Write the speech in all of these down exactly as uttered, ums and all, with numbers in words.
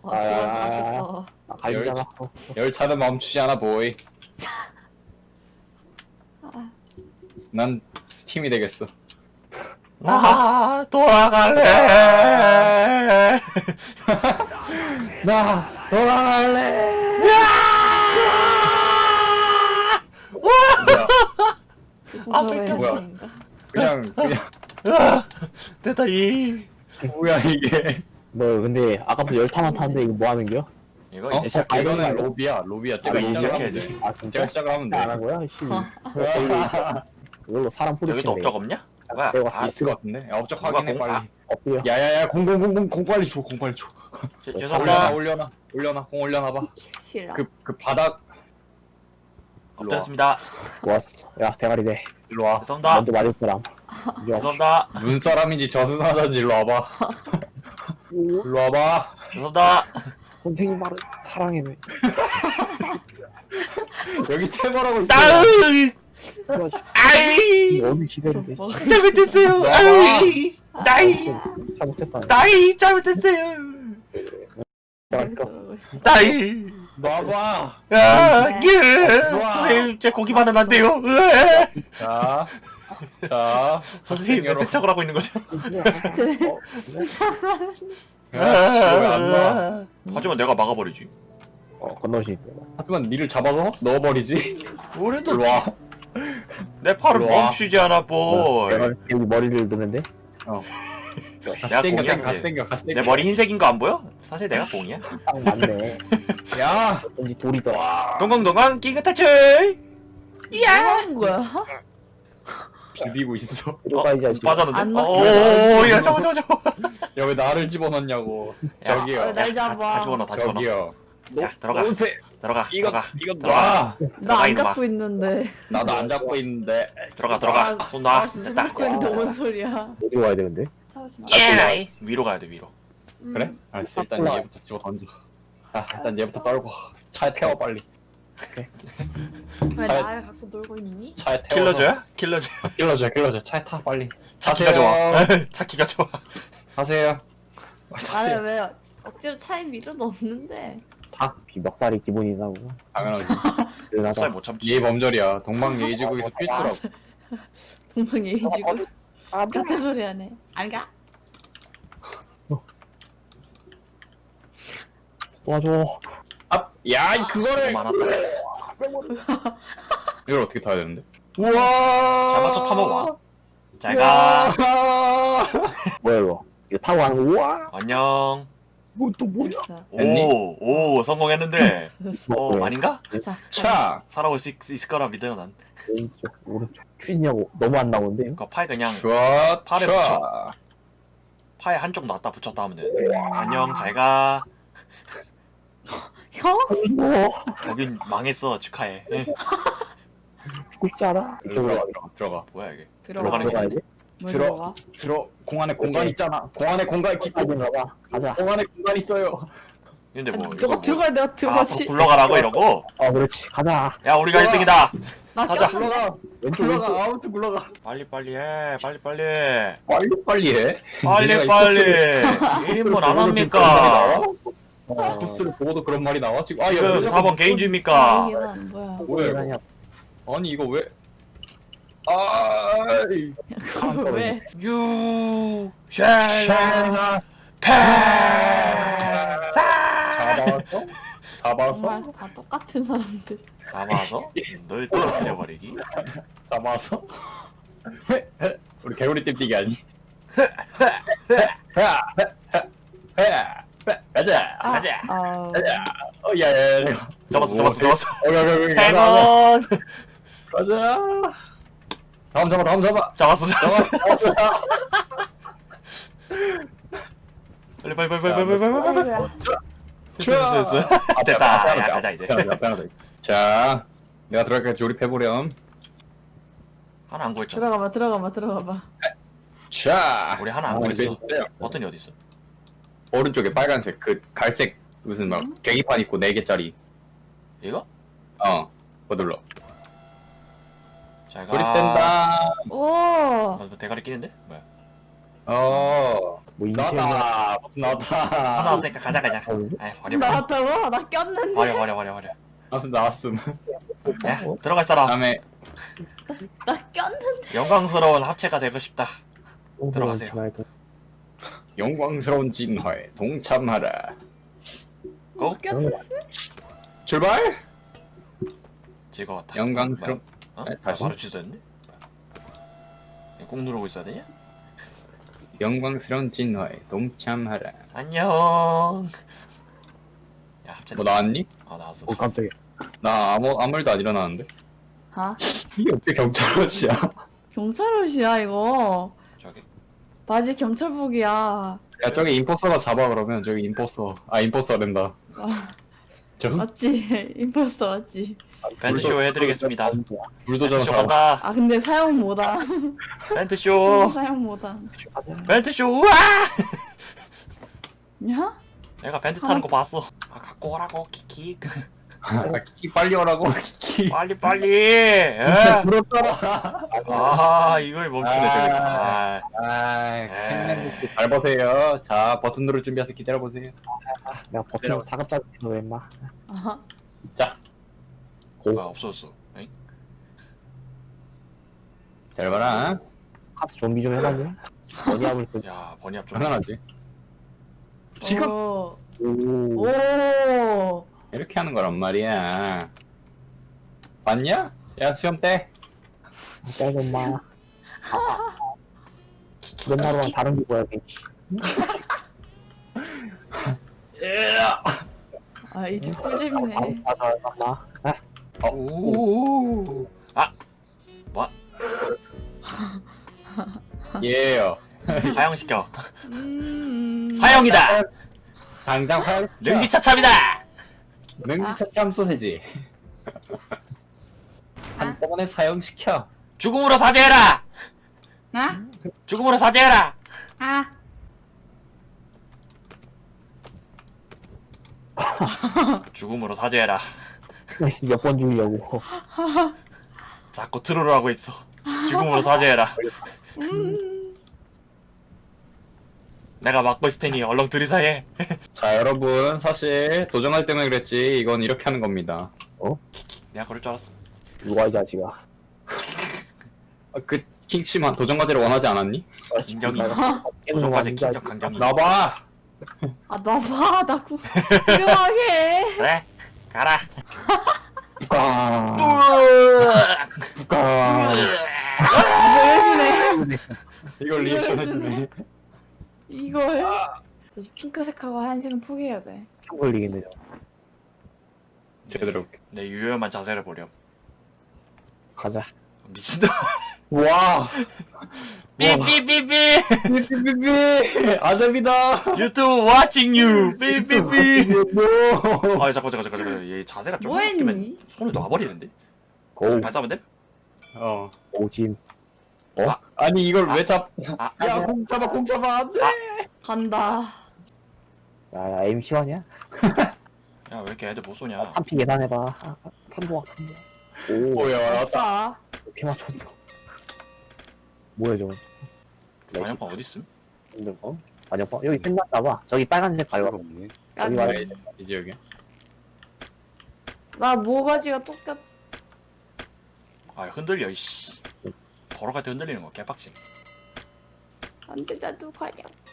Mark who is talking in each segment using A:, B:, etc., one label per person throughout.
A: 와 죽어서 바뀌었어.
B: 아, 갈비잖아.
C: 열차는 멈추지 않아 보이.
A: 아,
C: 난 스팀이 되겠어.
D: 나 돌아갈래.
B: 나 돌아갈래.
C: 뭐야?
A: 요즘
D: 아,
A: 저거
D: 뺏겼어.
A: 연습인가?
C: 그냥 그냥
D: 내 다리.
C: 뭐야 이게?
B: 너 근데 아까부터 열차만 타는데 이거 뭐 하는 거야?
D: 이거
C: 어?
D: 이제 시작해.
C: 이거는 로비야. 로비야. 제가
D: 아, 이제
C: 시작을 하면
D: 시작해야지.
C: 돼.
B: 아 진짜?
C: 제가 시작을 하면
B: 안 한
C: 돼.
B: 거야? 씨. 이걸로 사람
D: 여기도
B: 포도치네.
D: 업적 없냐? 뭐야?
B: 내가
D: 아,
C: 있을 것 같은데. 야, 업적
D: 누가
C: 확인해
D: 공-
C: 빨리.
B: 엎드려.
C: 야야야 공공공공 공 빨리 줘. 공 빨리 줘.
D: 죄-
C: 올려놔
D: 죄송합니다.
C: 올려놔 올려놔 공 올려놔봐.
A: 싫어.
C: 그 그 바닥
D: 엎드렸습니다.
B: 좋았어. 야 대가리 돼.
C: 일로 와.
D: 죄송합니다.
B: 먼저 맞을 사람. 이제
D: 죄송합니다.
C: 눈사람인지 저승사자인지 일로 와봐. 일로 와봐.
D: 죄송합니다.
B: 선생님 말은 사랑해네.
C: 여기 퇴보라고 있어.
D: 따으.
B: 그래가지고
D: 아이.
B: 어느 시대인데?
A: 뭐
D: 잘못했어요. 아이. 나이.
B: 잘못했어.
D: 나이 잘못했어요.
B: 내가
A: 저러고 있어.
D: 나이.
C: 놔봐.
D: 야, 예.
C: 우와.
D: 선생님, 제 고기만은 안 돼요. 으아.
C: 자, 자.
D: 선생님, 왜 세척을 하고 있는 거죠?
C: 왜안 놔?
D: 하지만 내가 막아버리지.
B: 어 건너올 수 있어.
C: 하지만 니를 잡아서 넣어버리지.
D: 우리도
C: 일로 와.
D: 내 팔을
C: 일로 와.
D: 멈추지 않아, 볼.
B: 내가 여기 머리를 넣는데.
C: 같이
D: 내가
C: 땡겨,
D: 공이야,
C: 땡겨, 같이
D: 이제.
C: 땡겨, 같이
D: 내
C: 땡겨.
D: 머리 흰색인 거 안 보여? 사실 내가 공이야.
B: 딱 맞네.
C: 야,
B: 왠지 돌이더라.
D: 동강동강 끼그 탈출.
A: 뭐 하는 거야?
C: 비비고 있어.
B: 들어가 이 자식.
D: 빠졌는데?
A: 안
D: 오,
A: 막혀.
D: 야, 저거, 저거, 저거.
C: 야, 왜 나를 집어넣냐고. 저기요.
A: 어, 날
D: 다,
A: 잡아.
D: 다 집어넣어, 다 집어넣어.
C: 저기요.
D: 야, 들어가,
C: 오세.
D: 들어가,
C: 이거,
D: 들어가,
C: 이거
D: 들어가.
C: 놔.
A: 나 안
D: 이놈아.
A: 잡고 있는데.
C: 나도 안 잡고 있는데.
D: 들어가, 들어가. 손 놔.
A: 아, 진짜
D: 됐다.
A: 잡고 있는데 뭔 소리야?
B: 어디로 가야 되는데?
A: 잠시만.
D: 예, 나이. 위로 가야 돼, 위로.
A: 음.
C: 그래? 알았어. 일단 얘부터 집어 던져. 아, 일단 얘부터 떨고. 차에 태워 빨리.
A: 왜 나를 갖고 놀고 있니?
C: 차에 태워.
D: 킬러줘야? 킬러줘야?
C: 킬러줘, 킬러줘. 차에 타 빨리.
D: 차키가 좋아. 차키가 좋아.
C: 타세요. 빨리
A: 나를
C: 타세요.
A: 왜 억지로 차에 밀어 넣는데?
C: 타.
B: 비멱살이 기본이라고.
C: 당연하지.
D: 살
B: 그러다가
D: 못 참지.
C: 이해 범절이야. 동방예의지국에서 필수라고.
A: 동방예의지고
B: 아,
A: 같은 소리 하네. 안 가?
B: 도와줘.
C: 아, 야, 이 그거를.
D: 너무 많았다.
C: 이걸 어떻게 타야 되는데? 우와.
D: 잘 맞춰 타먹어. 잘 가.
B: 뭐야 이거? 이거 타고 가는 거. 우와.
D: 안녕.
B: 뭐 또 뭐야?
A: 자,
C: 됐니?
D: 오, 오, 성공했는데. 어,
B: 뭐,
D: 아닌가?
A: 자,
C: 차.
D: 살아올 수 있, 있을 거라 믿어요, 난.
B: 왼쪽 오른쪽 추진냐고 너무 안 나오는데.
D: 그 팔 그냥
C: 슈아.
D: 팔에
C: 차.
D: 팔에 한쪽 놨다 붙였다 하면 돼. 안녕, 잘 가.
A: 형?
B: 뭐
D: 거긴 망했어, 축하해.
B: 죽고 싶지 않아? 이쪽으로
C: 들어가,
B: 가.
C: 들어가, 들어가.
D: 뭐야, 이게.
A: 들어가.
D: 들어가는 게
B: 들어가야 돼?
A: 뭘
C: 들어.
A: 들어가?
C: 들어. 공 안에 공간 있잖아. 공 안에 공간 깊고.
B: 가든가 봐. 가자.
C: 공 안에 공간 있어요.
D: 근데 뭐.
A: 아니,
D: 이거
A: 너가
D: 뭐-
A: 들어가야 내가
D: 아,
A: 들어가지.
D: 굴러가라고 이러고?
B: 어 그렇지. 가자.
D: 야, 우리가
C: 들어가.
D: 일 등이다.
A: 나
D: 가자.
A: 껴.
C: 굴러가.
B: 왼쪽
C: 굴러가.
B: 왼쪽.
C: 아무튼 굴러가.
D: 빨리, 빨리 해. 빨리, 빨리.
C: 빨리 빨리 해.
D: 빨리,
C: 내가 이
D: 빨리.
C: 코스를-
D: 일 인분 안
C: 보고도
D: 합니까?
C: 그런 말이 나와?
B: 어.
C: 코스를 보고도 그런 말이 나와 지금. 아, 야,
D: 지금
C: 왜
D: 사 번
C: 자꾸
D: 개인주입니까?
A: 이게 난 뭐야?
C: 뭐야 이거?
B: 아니야.
C: 아니 이거 왜? 아,
A: 그거 왜?
D: You shall not pass.
C: 잡아서? 잡아서?
A: 정말 다 똑같은 사람들.
D: 잡아서 널 떨어뜨려버리기.
C: 잡아서? 우리 개구리 띠뛰기 아니? 가자.
A: 아,
D: 가자.
A: 어...
C: 가자. 어, 야야야. 내가.
D: 잡았어, 잡았어, 잡았어.
C: 어, 야, 야, 야, 야,
D: 행운.
C: 가자. 다음 잡아, 다음 잡아.
D: 잡았어,
C: 잡아,
D: 잡았어.
C: 잡아.
D: 빨리, 빨리, 빨리, 빨리, 빨리, 빨리, 빨리, 빨리.
A: 아이고야.
D: 됐어, 됐어, 됐어. 됐다. 야, 가자 이제.
C: 자, 내가 들어갈게. 조립해보렴.
D: 하나 안 구했잖아.
A: 들어가봐, 들어가봐, 들어가봐.
C: 자,
D: 우리 하나 안
C: 아,
D: 구했어.
C: 있어요.
D: 버튼이 어디 있어?
C: 오른쪽에 빨간색 그 갈색 무슨 막
A: 음?
C: 계기판 있고 네 개짜리.
D: 이거?
C: 어, 그거 눌러.
D: 잘 가.
C: 조립된다.
A: 오,
D: 어, 대가리 끼는데? 뭐야?
C: 어,
B: 뭐 인체는
C: 나왔다. 버튼 나왔다.
D: 다 나왔으니까 가자 가자.
B: 어,
D: 에이 버려 버려
A: 나왔다고? 나 꼈는데.
D: 버려 버려 버려 버려.
C: 아무튼 나왔음.
D: 야 들어갈 사람.
C: 다음에
A: 나 꼈는데.
D: 영광스러운 합체가 되고 싶다. 들어가세요.
C: 영광스러운 진화에 동참하라.
D: 고.
A: 꼈는데.
C: 출발.
D: 즐거웠다.
C: 영광스러운.
D: 어?
C: 네,
D: 아,
C: 다시.
D: 바로 취소했네? 뭐야? 꾹 누르고 있어야 되냐?
C: 영광스러운 진화에 동참하라.
D: 안녕. 야 합체.
C: 뭐 나왔니?
D: 아 나왔어.
B: 오 깜짝이야.
C: 나 아무 아무 일도 안 일어나는데.
A: 아
C: 이게 어떻게 경찰옷이야?
A: 경찰 옷이야 이거.
D: 저기.
A: 바지 경찰복이야.
C: 야 저기 임포서가 잡아 그러면 저기 임포서. 아 임포서 된다.
A: 아,
C: 저
A: 맞지? 임포스터 맞지?
D: 벤트쇼 해드리겠습니다.
C: 불도저
D: 벤트쇼
C: 잡아.
D: 간다.
A: 아 근데 사용 못한.
D: 벤트쇼.
A: 사용 못한.
D: 벤트쇼. 우와.
A: 야?
D: 내가 벤트 타는 거 봤어. 아 갖고 오라고 키키.
C: 아, 키키 빨리 오라고 키키.
D: 빨리 빨리. 예.
C: 불었더라.
D: 아 이걸 멈추네 저기. 아.
C: 아이 캔맨부터 잘 보세요. 자 버튼 누를 준비해서 기다려 보세요.
B: 내가 버튼 자급자급 해서 왜 임마.
A: 아하.
C: 자,
D: 아 없어졌어. 에잉?
C: 잘 봐라.
B: 카스 좀비 좀 해봤냐? 어디 합을 쓰.
D: 야 번이합 좀.
C: 당연하지. 지금
A: 오.
B: 오.
A: 오.
C: 이렇게 하는 거란 말이야. 봤냐? 야 수염 떼.
B: 빼고 마. 너 말로만 다른 게 뭐야 겠지.
A: 아 이제 꿀잼이네.
B: 맞아 맞아. 아,
D: 오. 아. 뭐?
C: 예요.
D: 사형시켜.
A: 음.
D: 사형이다.
C: 당장 화요.
D: 능지차참이다.
C: 능지차참 소세지. 한꺼번에 사용시켜.
D: 죽음으로 사죄해라.
A: 아?
D: 죽음으로 사죄해라.
A: 아.
D: 죽음으로 사죄해라.
B: 몇번 죽이려고.
D: 자꾸 트롤을 하고 있어. 죽음으로 사죄해라.
A: 음.
D: 내가 막고 있을 테니 얼렁 들이사해.
C: 자 여러분 사실 도전할 때문에 그랬지 이건 이렇게 하는 겁니다.
D: 내가 그럴 줄 알았어.
B: 누가 이 자식아.
C: 아, 그 킹씨만 도전 과제를 원하지 않았니?
D: 인정이.
B: 깨는 거
D: 도전까지
B: 아닌가?
D: 킹정 강정이.
C: 나봐.
A: 아 나봐 나 구. 훌륭하게.
D: 그래. 가라.
C: 부까
D: 으악.
C: 부까.
A: 보여주네.
C: 이걸 리액션 해주네.
A: 이걸. 저 핑크색하고 하얀색은 포기해야 돼.
B: 참 걸리겠네 저.
C: 제대로.
D: 내 유효한 자세를 보렴.
B: 가자.
D: 미친다.
C: 와.
D: 삐삐삐삐.
C: 삐삐삐삐. 아잡이다.
D: 유튜브 watching you. 삐삐삐. 아 잠깐 잠깐 잠깐 잠깐. 얘 자세가 좀
A: 뭐했니?
D: 바뀌면 손을 놔버리는데.
B: 고.
D: 발사하면 돼?
C: 어.
B: 오진.
C: 어? 아니 이걸 왜 잡?
D: 아,
C: 야, 공 잡아, 공 잡아, 안 돼.
A: 간다.
B: 야 에임 시원이야?
D: 야 왜 이렇게 애들 못 쏘냐?
B: 탄피 계산해봐. 아, 탄도와 탄도. 오.
C: 뭐야, 왔다.
A: 아싸.
B: 이렇게 맞췄어. 뭐야 저거?
D: 반영판 어디 있음?
B: 힘든 거? 반영판 여기 끝났나봐. 저기 빨간색 밟아.
C: 없네.
A: 야,
B: 여기
A: 뭐-
B: 말.
C: 이제 여기.
A: 나 모가지가 똑같.
D: 아 흔들려 이씨. 걸어갈 때 흔들리는 거 개빡치.
A: 안돼 나도 가냐.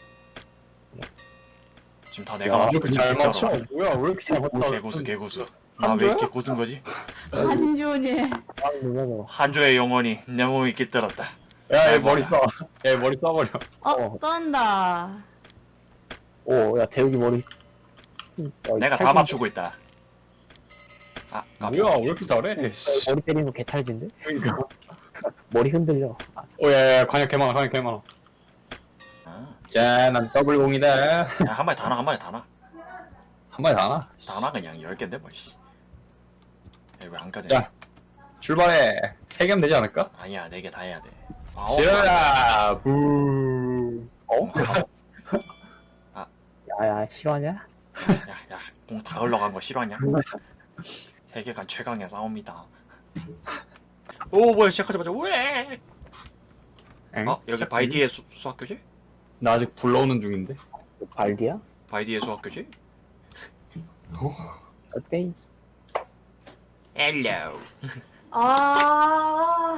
D: 지금 다
C: 야,
D: 내가
C: 왜 이렇게 잘 맞춰? 뭐야, 왜 이렇게 잘 맞춰?
D: 개고수 개고수. 나 왜 이렇게 고순 거지?
A: 한준이.
B: 아 눌러줘.
D: 한조의 영혼이 내 몸에 깃들었다.
C: 야, 얘
D: 야,
C: 머리
D: 뭐야.
C: 써. 야, 얘 머리 써버려.
A: 어
B: 어.
A: 떤다.
B: 오야 대욱이 머리. 어,
D: 내가 다
B: 찰진-
D: 맞추고 있다. 아, 깜짝이야.
C: 뭐야, 왜 이렇게 잘해? 씨.
B: 머리 때리는 거 개찰진데?
C: 그러니까.
B: 머리 흔들려. 아,
C: 오, 야, 야, 관역 개많아, 관역 개많아.
D: 아,
C: 자, 난 더블 공이다.
D: 야, 한 마리 다 나, 한 마리 다 나.
C: 한 마리 다 나.
D: 다 나 그냥 열 개인데 뭐 씨. 왜안 까지?
C: 자. 출발해. 세 개면 되지 않을까?
D: 아니야, 네 개 다 해야 돼. 아홉
C: 싫어라. 부. 어?
B: 야야 싫어하냐?
D: 야, 야, 공 다 흘러간 거 싫어하냐? 세계관 최강의 싸움이다. 오, 뭐야, 시작하자마자 왜?
C: 응?
D: 어, 여기 바이디의 수, 수학교지?
C: 나 아직 불러오는 중인데.
B: 발디야?
D: 바이디의 수학교지?
B: 어때?
D: 헬로.
A: 아.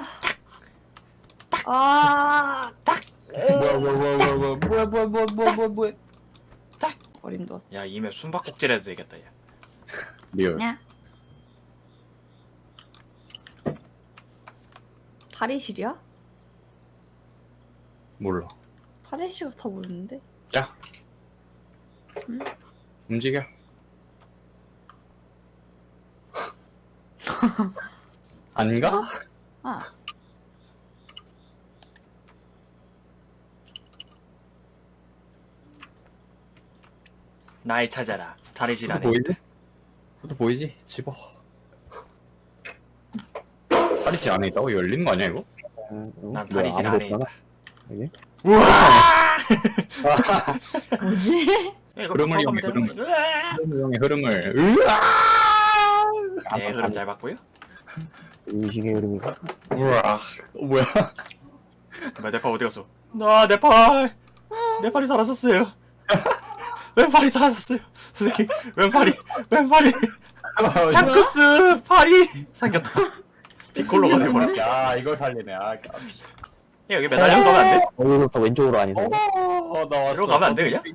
A: 아.
C: 뭐야 뭐야 뭐야 뭐야 뭐야 뭐야 뭐야 뭐야 뭐야 뭐야.
A: 어림도.
D: 야, 이 맵 숨바꼭질 해도 되겠다, 야.
C: 리얼.
A: 냐. 탈의실이야?
C: 몰라.
A: 탈의실 같아 보이는데?
C: 야.
A: 응?
C: 움직여. 아닌가?
A: 아.
D: 나의 찾아라. 탈의실
C: 그것도
D: 안에.
C: 보이지? 그것도 보이지? 집어. 탈의실 안에 있다고? 열린 거 아니야 이거?
B: 응, 응.
D: 난
B: 뭐야,
D: 탈의실
B: 아무도
D: 안에
B: 없잖아.
D: 있다.
B: 여기?
D: 우와!
A: 뭐지?
D: 야, 이거
C: 흐름을
D: 바꿔가면
C: 이용해,
D: 되는
C: 흐름을.
D: 거야.
C: 흐름을 흐름을. 으아!
D: 네, 흐름 잘 봤고요.
B: 의식의 흐름이가.
C: 우와. 어, 뭐야?
D: 뭐야, 내 팔 어디 갔어? 나, 내 팔! 내 팔이 사라졌어요. 왼팔이 사라졌어요. 선생님, 왼팔이, 왼팔이. 샹크스 팔이 생겼다. 피콜로가 돼버렸다.
C: 야 이걸 살리네. 아, 까비.
D: 야, 여기 매달려 가면 안 돼?
B: 여기서부터 왼쪽으로 아니서.
C: 어, 나왔어.
D: 이리로 가면 안 돼, 그냥?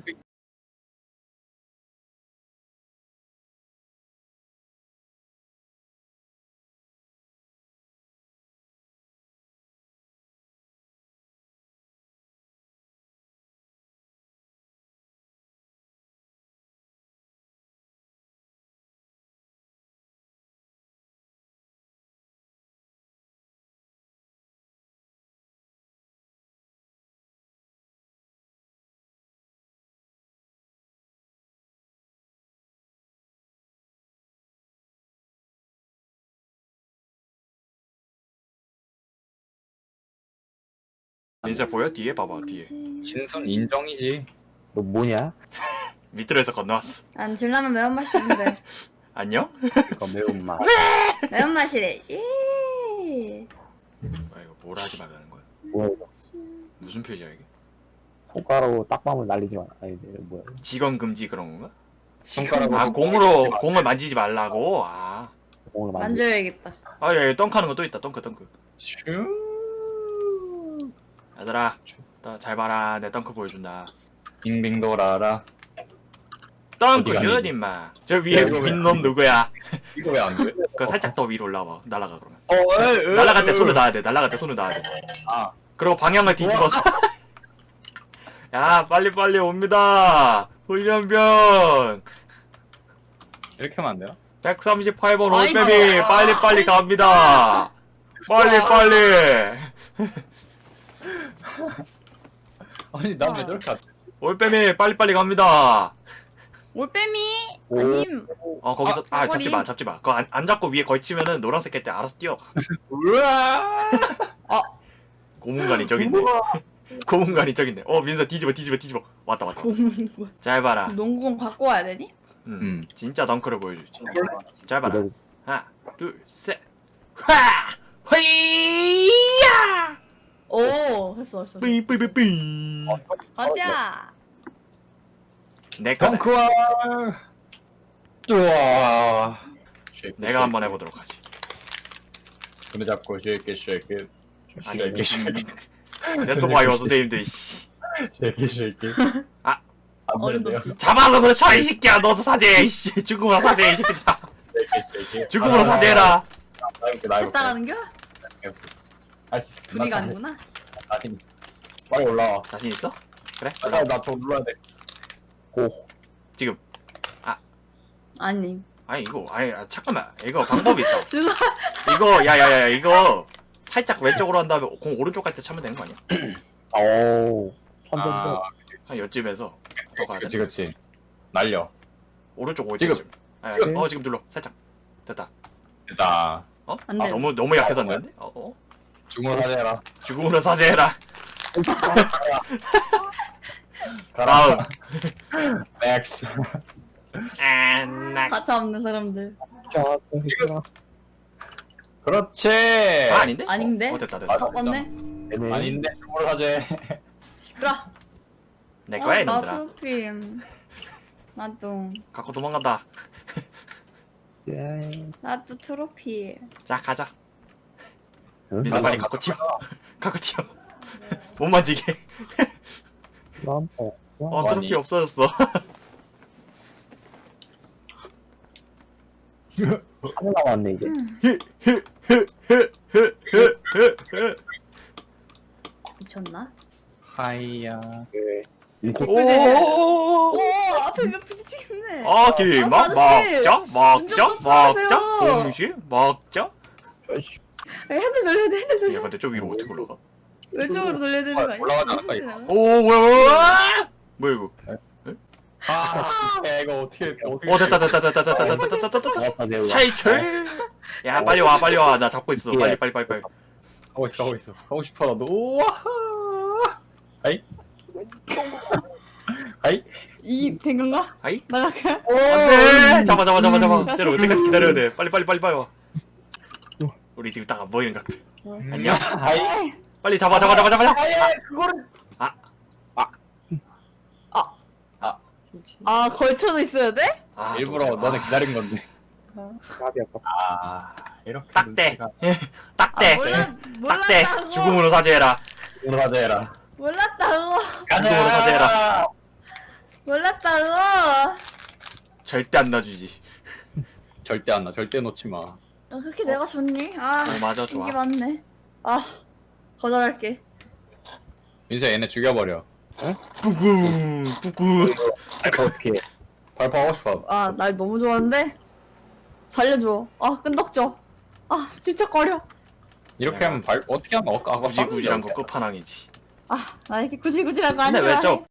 D: 민세 보여? 뒤에 봐봐, 뒤에.
C: 진순 인정이지.
B: 너 뭐냐?
D: 밑으로 해서 건너왔어.
A: 난 진라면 매운맛이는데.
D: 안녕?
B: 이거 매운맛.
A: 매운맛이래. 예.
D: 아, 이거 뭐라 하지 말라는 거야?
B: 뭐야 이거?
D: 무슨 표지야, 이게?
B: 손가락으로 딱밤을 날리지 마. 아니 이거 뭐야?
D: 직원 금지 그런 건가?
C: 손가락으로.
D: 아, 공으로, 공을 만지지 말라고? 아.
B: 공을 만지.
A: 만져야겠다.
D: 아, 야, 야, 덩크하는 거 또 있다, 덩크, 덩크.
C: 슈.
D: 얘들아, 나 잘 봐라. 내 덩크 보여준다.
C: 빙빙 돌아라.
D: 덩크
C: 어디가
D: 슛,
C: 아니지?
D: 임마. 저 위에
C: 야, 이거 왜
D: 빈놈 누구야?
C: 이거 왜 안 돼?
D: 그거 살짝 더 위로 올라와. 날아가, 그러면.
C: 어, 에이, 에이,
D: 날아갈 때
C: 에이.
D: 손을 놔야 돼. 날아갈 때 손을 놔야 돼.
C: 아.
D: 그리고 방향을 뒤집어서. 야, 빨리빨리 옵니다. 훈련병.
C: 이렇게 하면 안 되나?
D: 백삼십팔 번
A: 아이고.
D: 올빼미 빨리빨리 갑니다. 빨리빨리.
C: 아니 난 왜 저렇게 안 돼?
D: 올빼미 빨리빨리 갑니다.
A: 올빼미.
B: 오.
A: 아님.
D: 어, 거기서 아,
A: 꼬리.
D: 잡지 마. 잡지 마. 그거 안, 안 잡고 위에 걸치면은 노란색 깰 때 알아서 뛰어가.
C: 우와.
D: 고문관이 저기 있네. 고문관이 저기 있네. 어, 민서 뒤집어 뒤집어 뒤집어. 왔다 왔다.
A: 공군.
D: 잘 봐라.
A: 농구공 갖고 와야 되니?
D: 음,
C: 음.
D: 진짜 덩크를 보여주지. 잘 봐라.
B: 이거
D: 하나, 둘, 셋. 화! 허이야!
A: 오, 했어, 했어.
D: 삐삐삐삐.
A: 가자.
D: 내 거다.
C: 덩크와. 우와.
D: 내가 한번 해보도록 하지.
C: 손에 잡고 쉐이키 쉐이키.
D: 아니,
C: 쉐이키 쉐이키.
D: 네토바이어 선생님들 씨.
C: 쉐이키 쉐이키.
D: 아.
C: 안
A: 어림도
C: 되는데요?
A: 없지.
D: 잡아서 그렇죠 이 새끼야. 너도 사죄해 이씨. 죽음으로 사죄해 이 새끼들아.
C: 쉐이키 쉐이키.
D: 죽음으로 사죄해라.
C: 나이볼게 나이볼게.
A: 따라가는겨?
C: 할수 있어.
A: 둘이
C: 나 참-
A: 가는구나.
C: 자신 있어. 빨리 올라와.
D: 자신 있어? 그래?
C: 아, 나더 눌러야 돼.
B: 고.
D: 지금.
A: 아니.
D: 아니 이거 아니 아, 잠깐만. 이거 방법이 있다.
A: 누가?
D: 이거 야야야 이거 살짝 왼쪽으로 한 다음에 공 오른쪽 갈 때 차면 되는 거 아니야?
B: 오. 천천히.
C: 아,
D: 한 요쯤에서 더 가야
C: 그치
D: 돼.
C: 그치. 날려.
D: 오른쪽
C: 지금.
D: 오른쪽. 아,
C: 지금.
D: 어 지금 눌러. 살짝. 됐다.
C: 됐다.
D: 어?
A: 안
D: 아
A: 돼.
D: 너무 너무 약해서 안 되는데? 어? 어?
C: 주문 사죄해라.
D: 죽음으로 사죄해라.
C: 가라.
D: 다음.
C: 넥스.
D: 안나.
A: 가차 없는 사람들.
B: 좋았어. 이거.
C: 그렇지.
D: 아 아닌데?
A: 아닌데?
D: 어, 어 됐다 됐다.
C: 맞아.
A: 어, 맞네.
B: 애매해.
C: 아닌데 주문 사죄.
A: 시끄러.
D: 내 거야
A: 어, 나
D: 이놈들아.
A: 트로피. 나도.
D: 갖고 도망간다.
B: 예.
A: 나도 트로피.
D: 자 가자.
B: 응?
D: 민서 빨리 갖고 튀어. 갖고 튀어. 못 만지게.
B: 난 어.
D: 어
C: 아니.
D: 트로피 없어졌어.
B: 하나 남았네 이제.
A: 미쳤나?
C: 하이야.
B: 그 인코스.
D: 오.
A: 오 앞에 몇 부딪히겠네.
D: 아 길막
A: 아저씨!
D: 먹자 먹자
A: 운전
D: 먹자
A: 똑바로
D: 동시 먹자.
B: 아이씨.
A: 핸들 돌려야 돼 핸들 돌려.
D: 야 근데 저 위로 어떻게 올라가?
A: 왼쪽으로 돌려야 되는 거 아니야?
C: 올라가지 않을까, 이거?
A: 지나가?
D: 오 뭐야 뭐야 뭐야 이거?
C: 아, 야, 이거 어떻게 어떻게?
D: 어 됐다 됐다 됐다 됐다 됐다 됐다 됐다 됐다.
B: 나왔다 내가.
D: 탈출. 야 빨리 와 빨리 와 나 잡고 있어 빨리 빨리 빨리 빨리.
C: 가고 있어 가고 있어. 가고 싶어 나도. 우와. 아이. 아이.
A: 이 된 건가?
D: 아이
A: 나갈까?
D: 안돼 잡아 잡아 잡아 잡아. 쟤를 어때까지 기다려야 돼. 빨리 빨리 빨리 빨리 와. 우리 지금 딱 안 보이는 각들. 안녕.
C: 아이.
D: 빨리 잡아 잡아 잡아 잡아.
C: 아이 그거를.
A: 아 걸쳐져 있어야 돼?
D: 아,
C: 일부러
D: 또
C: 너는
D: 잡아.
C: 기다린 건데.
B: 가비 아까.
C: 아 이렇게.
D: 딱대.
C: 눈치가-
D: 딱대.
A: 아, 몰라
D: 딱대.
A: 몰랐다고.
D: 죽음으로 사죄해라.
C: 오늘 하자 해라.
A: 몰랐다고.
D: 죽음으로 사죄해라.
A: 몰랐다고.
D: 절대 안 놔주지.
C: 절대 안 나. 절대 놓지 마.
A: 아, 그렇게 내가 좋니? 아
D: 어 맞아 좋아.
A: 이게 맞네. 아 거절할게.
C: 민서 얘네 죽여버려.
D: 뿌궁 뿌궁.
B: 아까 어떻게?
C: 발포하고 싶어.
A: 아 날 너무 좋아하는데 살려줘. 아 끈덕져. 아 질척거려.
C: 이렇게 하면 발 어떻게 하면 아까 아까
D: 구질구질한 거 끝판왕이지.
A: 아 나 이렇게 구질구질한 거 안
D: 근데
A: 좋아해.
D: 왜 저